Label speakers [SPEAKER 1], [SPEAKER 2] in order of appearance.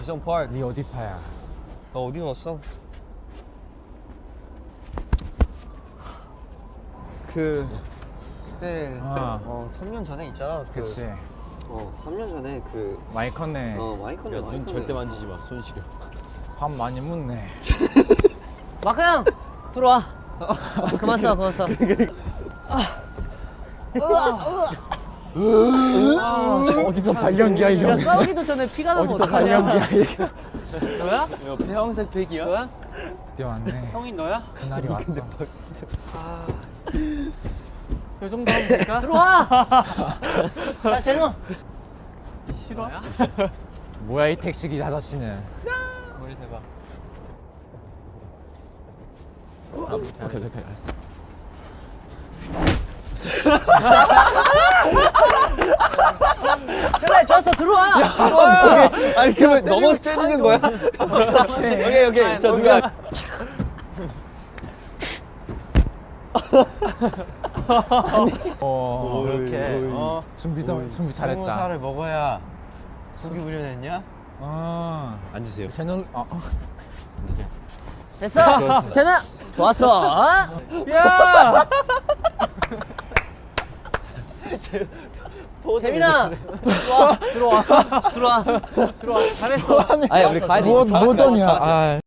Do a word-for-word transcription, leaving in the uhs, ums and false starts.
[SPEAKER 1] 지성 파크.
[SPEAKER 2] 네 어디 파야?
[SPEAKER 1] 너 어디 넣었어? 그 그때
[SPEAKER 2] 아.
[SPEAKER 1] 어 삼 년 전에 있잖아. 그,
[SPEAKER 2] 그치.
[SPEAKER 1] 어 삼 년 전에 그
[SPEAKER 2] 많이 컸네.
[SPEAKER 1] 어 많이 컸네.
[SPEAKER 3] 야,
[SPEAKER 1] 많이
[SPEAKER 3] 눈
[SPEAKER 1] 컸네.
[SPEAKER 3] 절대 만지지 마. 손 시려.
[SPEAKER 2] 밥 많이 묻네.
[SPEAKER 4] 마크 형 들어와. 그만 써 그만 써.
[SPEAKER 2] 어디서 발연기야
[SPEAKER 4] 야
[SPEAKER 2] 이거?
[SPEAKER 4] 싸우기도 전에 피가 나면
[SPEAKER 2] 어디서
[SPEAKER 4] 어떡하냐.
[SPEAKER 2] 발연기야 이거?
[SPEAKER 4] 너야?
[SPEAKER 3] 야, 폐황색 팩이야?
[SPEAKER 4] 너야?
[SPEAKER 2] 드디어 왔네.
[SPEAKER 4] 성인 너야?
[SPEAKER 2] 그날이 왔어.
[SPEAKER 4] 이 정도 하면 될까? 들어와. 자 재능. 싫어?
[SPEAKER 2] 뭐야 이 택시기 아저씨는?
[SPEAKER 4] 머리 대박.
[SPEAKER 2] 오케이 오케이 오케이 알았어.
[SPEAKER 4] 그래 좋았어 들어와.
[SPEAKER 1] 아니 그러면 넘어 때리는 거야? 오케이 오케이. 자 누가?
[SPEAKER 2] 어
[SPEAKER 3] 이렇게. 어.
[SPEAKER 2] 준비 좀 준비
[SPEAKER 3] 스무
[SPEAKER 2] 잘했다.
[SPEAKER 3] 살을 먹어야 속이 우려냈냐?
[SPEAKER 2] 아
[SPEAKER 3] 앉으세요.
[SPEAKER 2] 채널 아
[SPEAKER 4] 됐어. 재능 좋았어.
[SPEAKER 2] 야!
[SPEAKER 4] 재민아 들어와 들어와 들어와 들어와 잘했어.
[SPEAKER 1] 아니 우리 가야 돼.
[SPEAKER 2] 뭐
[SPEAKER 1] 이제 다 같이
[SPEAKER 2] 뭐더냐?
[SPEAKER 1] 가자.
[SPEAKER 2] 아.